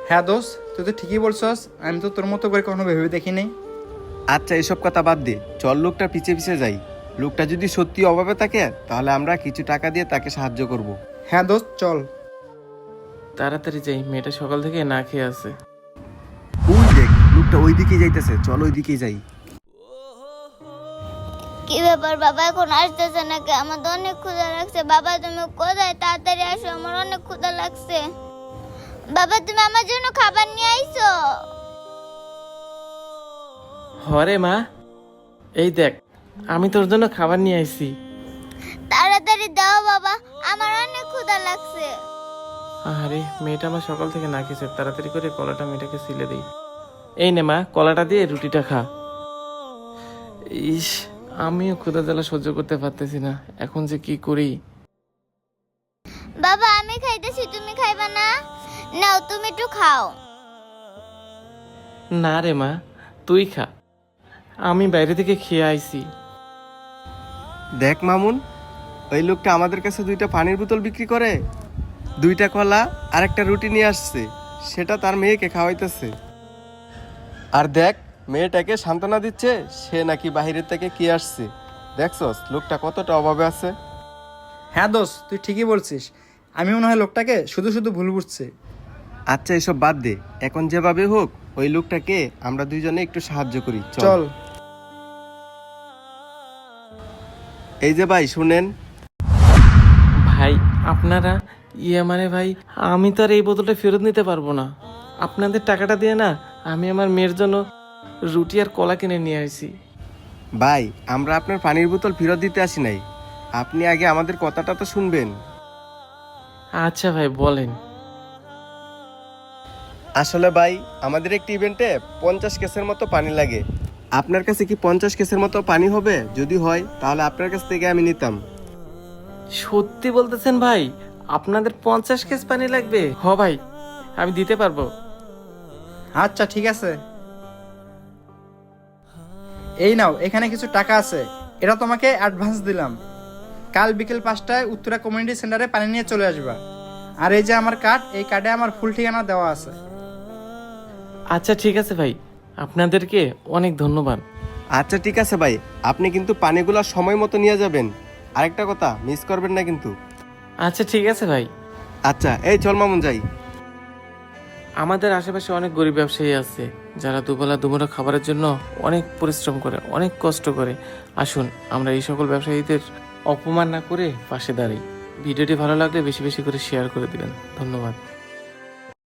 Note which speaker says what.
Speaker 1: হ্যাঁ দোস্ত, তুই তো ঠিকই বলছস। আমি তো তোর মতো করে কখনো ভেবে দেখিনি।
Speaker 2: আচ্ছা, এসব কথা বাদ দে, চল লোকটা পিছে পিছে যাই। লোকটা যদি সত্যি অভাবে থাকে তাহলে আমরা কিছু টাকা দিয়ে তাকে সাহায্য করব।
Speaker 1: হ্যাঁ দোস্ত, চল।
Speaker 3: তাড়াতাড়ি যাই, মেয়েটা সকাল থেকে না খেয়ে আছে।
Speaker 2: ওই দেখ, লোকটা ওই দিকেই যাইতেছে, চল ওই দিকেই যাই।
Speaker 4: কি ব্যাপার বাবা, এখন আসতেছে নাকি? আমার তো অনেক ক্ষুধা লাগছে। বাবা তুমি কোথায়? তাড়াতাড়ি আসো, আমার অনেক ক্ষুধা লাগছে। বাবা তুমি আমার জন্য খাবার নিয়ে আইছো?
Speaker 3: হরে মা, এই দেখ, আমি তোর জন্য খাবার নিয়ে আইছি।
Speaker 4: তাড়াতাড়ি দাও বাবা, আমার অনেক ক্ষুধা লাগছে।
Speaker 3: আরে মেয়েটা আমার সকাল থেকে না খেয়েছে, তাড়াতাড়ি করে কলাটা মেয়েটাকে সিলে দিই। এই নে মা, কলাটা দিয়ে রুটিটা খা। ইস, আমিও ক্ষুধা জ্বালা সহ্য করতে পারতেছি না, এখন যে কি করি।
Speaker 4: বাবা আমি খাইতেছি, তুমি খাইবা না? নাও তুমি একটু খাও।
Speaker 3: না রে মা, তুই খা, আমি বাইরে থেকে খেয়ে আইছি।
Speaker 2: দেখ মামুন, ওই লোকটা আমাদের কাছে 2টা পানির বোতল বিক্রি করে, 2টা কলা আর একটা রুটি নিয়ে আসছে, সেটা তার মেয়েকে খাওয়াইতেছে। আর দেখ, মেয়েটাকে সান্ত্বনা দিচ্ছে, সে নাকি বাহিরের থেকে কি আসছে। দেখছস লোকটা কতটা অভাবে আছে।
Speaker 1: হ্যাঁ দোস্ত, তুই ঠিকই বলছিস। আমি মনে হয় লোকটাকে শুধু শুধু ভুল বুঝছি।
Speaker 2: আচ্ছা, এসব বাদ দে, এখন যেভাবে হোক ওই লোকটাকে আমরা দুইজনে একটু সাহায্য করি,
Speaker 1: চল।
Speaker 2: এই যে ভাই শুনেন।
Speaker 3: ভাই আপনারা, মানে ভাই, আমি তো আর এই বোতলটা ফেরত নিতে পারবো না। আপনাদের টাকাটা দিয়ে না আমি আমার মেয়ের জন্য রুটি আর কলা কিনে নিয়ে আসি।
Speaker 2: ভাই, আমরা আপনার পানির বোতল ফেরত দিতে আসি নাই, আপনি আগে আমাদের কথাটা তো শুনবেন।
Speaker 3: আচ্ছা ভাই বলেন।
Speaker 2: আসলে ভাই, আমাদের একটি ইভেন্টে 50 কেসের মতো পানি লাগে। আপনার কাছে কি 50 কেসের মতো পানি হবে? যদি হয় তাহলে আপনার কাছ থেকে আমি নিতাম।
Speaker 3: সত্যি বলতেছেন ভাই? আপনাদের 50 কেস পানি লাগবে? হ ভাই, আমি দিতে পারবো।
Speaker 1: আচ্ছা ঠিক আছে, এই নাও, এখানে কিছু টাকা আছে। এটা তোমাকে অ্যাডভান্স দিলাম। কাল বিকেল 5টায় উত্তরা কমিউনিটি সেন্টারে পানি নিয়ে চলে আসবা। আর এই যে আমার কার্ড, এই কার্ডে আমার ফুল ঠিকানা দেওয়া আছে।
Speaker 3: আচ্ছা ঠিক আছে ভাই, আপনাদেরকে অনেক ধন্যবাদ।
Speaker 2: আচ্ছা ঠিক আছে ভাই, আপনি কিন্তু পানিগুলো সময় মতো নিয়ে যাবেন। আরেকটা কথা মিস করবেন না কিন্তু।
Speaker 3: আচ্ছা ঠিক আছে ভাই।
Speaker 2: আচ্ছা, এই চল মামুন যাই।
Speaker 3: আমাদের আশেপাশে অনেক গরিব ব্যবসায়ী আছে যারা দুবেলা দুমুঠো খাবারের জন্য অনেক পরিশ্রম করে, অনেক কষ্ট করে। আসুন আমরা এই সকল ব্যবসায়ীদের অপমান না করে পাশে দাঁড়াই। ভিডিওটি ভালো লাগলে বেশি বেশি করে শেয়ার করে দিবেন। ধন্যবাদ।